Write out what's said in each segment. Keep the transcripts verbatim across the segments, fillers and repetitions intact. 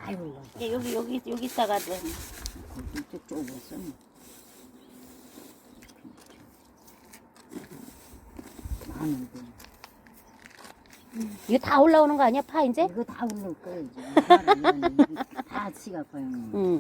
아이고, 예, 여기 여기 여기 있다가 좀 이쪽 쪽에서 많은데 이거 다 올라오는 거 아니야 파 이제? 이거 다 올릴 거야 이제. 하루는 이게 다 치갖고 형. 응.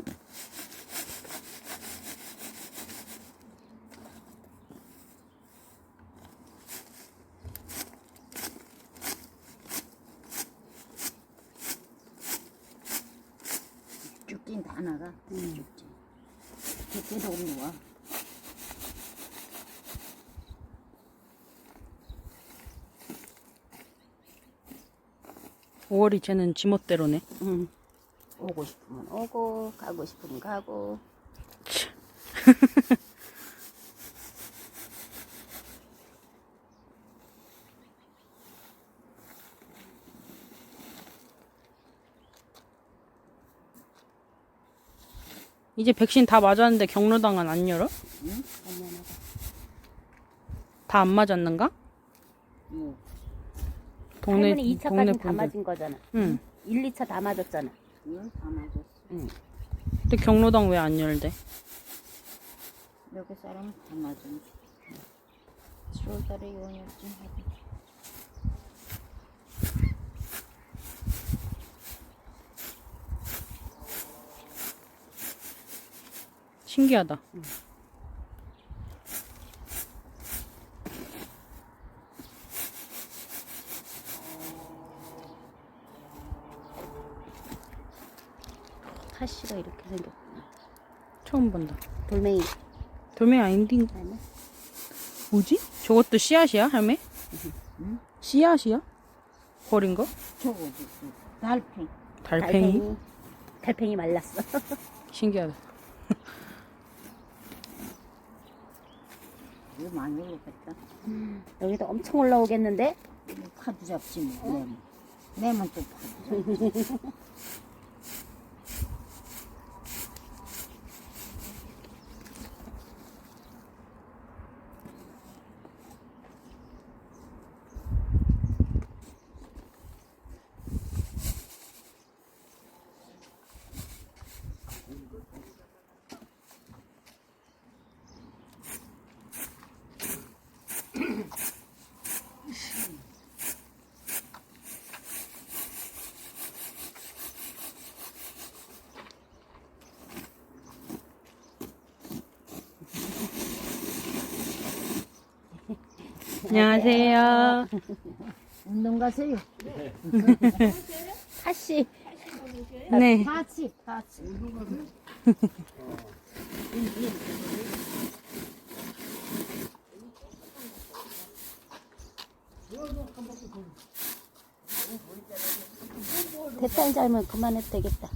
죽긴 다 나가. 응. 죽지. 죽기도 없는 오월이 쟤는 지멋대로네. 응. 오고 싶으면 오고 가고 싶으면 가고. 이제 백신 다 맞았는데 경로당은 안 열어? 응? 다 안 맞았는가? 뭐 동네 할머니 이 동네 차까지 다 분들. 맞은 거잖아. 응. 일, 이 차 다 맞았잖아. 이걸 다 맞았어. 응. 근데 경로당 왜 안 열대? 여기 사람은 다 맞은. 칠월달에 요원이었지. 신기하다. 타시가 이렇게 생겼구나. 처음 본다. 돌멩이. 돌멩이 아닌데 아니야? 뭐지? 저것도 씨앗이야, 할매? 응? 씨앗이야? 버린 거? 저거 그 달팽이. 달팽이? 달팽이 말랐어. 신기하다. 이거 많이 올랐겠다. 여기도 엄청 올라오겠는데? 파도 잡지 뭐. 내면. 내면 또 파도 잡지. 안녕하세요. 운동 가세요. 타시. 네. 파치, 파치. 됐다 이제 알면 그만해도 되겠다.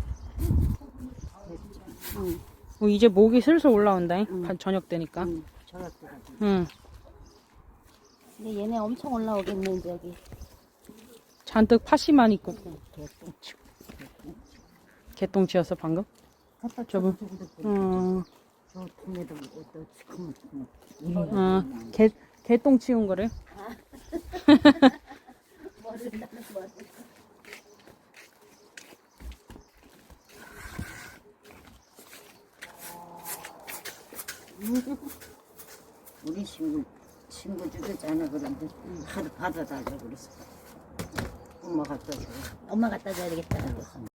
응. 어, 이제 목이 슬슬 올라온다. 응. 응. 저녁 되니까. 응. 저렇게 응. 근데 얘네 엄청 올라오겠는데 여기. 잔뜩 팥이만 있고. 개똥치. 개똥치였어 방금? 갖다 저거. 어. 저 통에다 또 지금 어. 개 개똥 치운 거래. 모른다는 거. 우리 친구 친구 주잖아 그런데 하도 받아달라 그랬어. 엄마 갖다 줘. 엄마 갖다 줘야 되겠다.